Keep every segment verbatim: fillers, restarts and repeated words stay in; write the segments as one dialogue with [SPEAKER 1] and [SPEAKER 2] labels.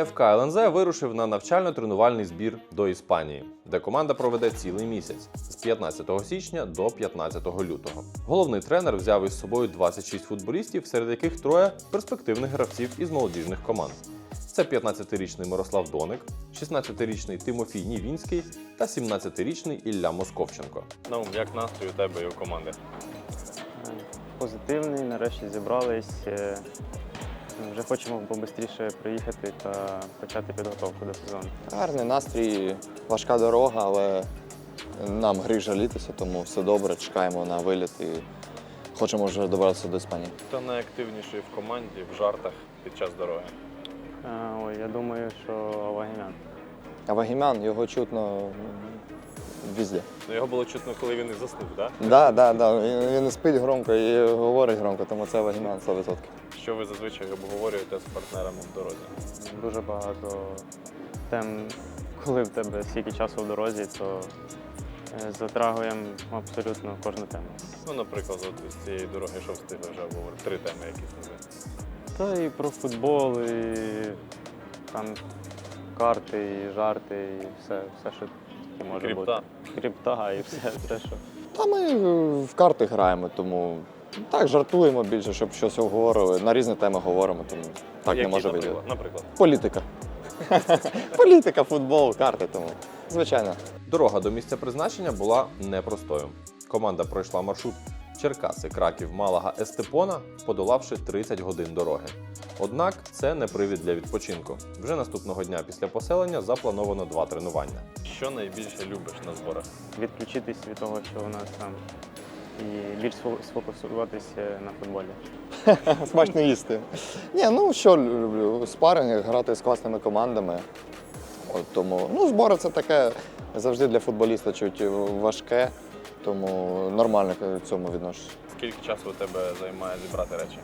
[SPEAKER 1] еф ка ел ен зет вирушив на навчально-тренувальний збір до Іспанії, де команда проведе цілий місяць з п'ятнадцятого січня до п'ятнадцятого лютого. Головний тренер взяв із собою двадцять шість футболістів, серед яких троє перспективних гравців із молодіжних команд. Це п'ятнадцятирічний Мирослав Доник, шістнадцятирічний Тимофій Нівінський та сімнадцятирічний Ілля Московченко.
[SPEAKER 2] Ну, як настрій у тебе і у команди?
[SPEAKER 3] Позитивний, нарешті зібрались. Вже хочемо побистріше приїхати та почати підготовку до сезону.
[SPEAKER 4] Гарний настрій, важка дорога, але нам гріх жалітися, тому все добре, чекаємо на виліт і хочемо вже добратися до Іспанії.
[SPEAKER 2] Хто найактивніший в команді в жартах під час дороги?
[SPEAKER 3] Ой, я думаю, що Авагімян.
[SPEAKER 4] А Вагімян, його чутно везде.
[SPEAKER 2] Ну, його було чутно, коли він і заснув, так?
[SPEAKER 4] Так, да, да, да. Він, він і спить громко і говорить громко, тому це Вагімян сто відсотків.
[SPEAKER 2] Що ви зазвичай обговорюєте з партнерами в дорозі?
[SPEAKER 3] Дуже багато тем, коли в тебе стільки часу в дорозі, то затрагуємо абсолютно кожну тему.
[SPEAKER 2] Ну, наприклад, от з цієї дороги, що встигли вже обговорити? Три теми якісь називають.
[SPEAKER 3] Та і про футбол, і там карти, і жарти, і все, все що тільки може
[SPEAKER 2] Крипта.
[SPEAKER 3] бути. Крипта і все, все, що.
[SPEAKER 4] Та ми в карти граємо, тому так, жартуємо більше, щоб щось обговорили. На різні теми говоримо, тому так
[SPEAKER 2] Які,
[SPEAKER 4] не може
[SPEAKER 2] наприклад?
[SPEAKER 4] бути.
[SPEAKER 2] Наприклад?
[SPEAKER 4] Політика. Політика, футбол, карти, тому звичайно.
[SPEAKER 1] Дорога до місця призначення була непростою. Команда пройшла маршрут Черкаси, Краків, Малага, Естепона, подолавши тридцять годин дороги. Однак це не привід для відпочинку. Вже наступного дня після поселення заплановано два тренування.
[SPEAKER 2] Що найбільше любиш на зборах?
[SPEAKER 3] Відключитись від того, що у нас там, і більш сфокусуватися на футболі.
[SPEAKER 4] Смачно їсти. Ні, ну що люблю? Спаринги, грати з класними командами. От тому, ну, збори це таке завжди для футболіста чуть важке, тому нормально к цьому відношусь.
[SPEAKER 2] Скільки часу у тебе займає зібрати речі?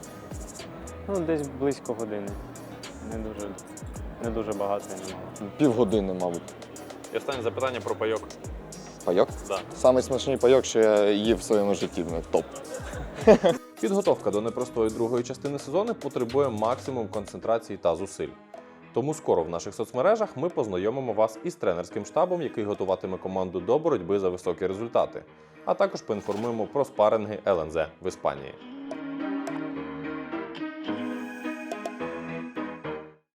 [SPEAKER 3] Ну, десь близько години. Не дуже, не дуже багато і немало.
[SPEAKER 4] Півгодини, мабуть.
[SPEAKER 2] І останнє запитання про пайок.
[SPEAKER 4] Пайок?
[SPEAKER 2] Да.
[SPEAKER 4] Самий смачний пайок, що я їв в своєму житті. Ну, топ.
[SPEAKER 1] Підготовка до непростої другої частини сезону потребує максимум концентрації та зусиль. Тому скоро в наших соцмережах ми познайомимо вас із тренерським штабом, який готуватиме команду до боротьби за високі результати, а також поінформуємо про спаринги ел ен зет в Іспанії.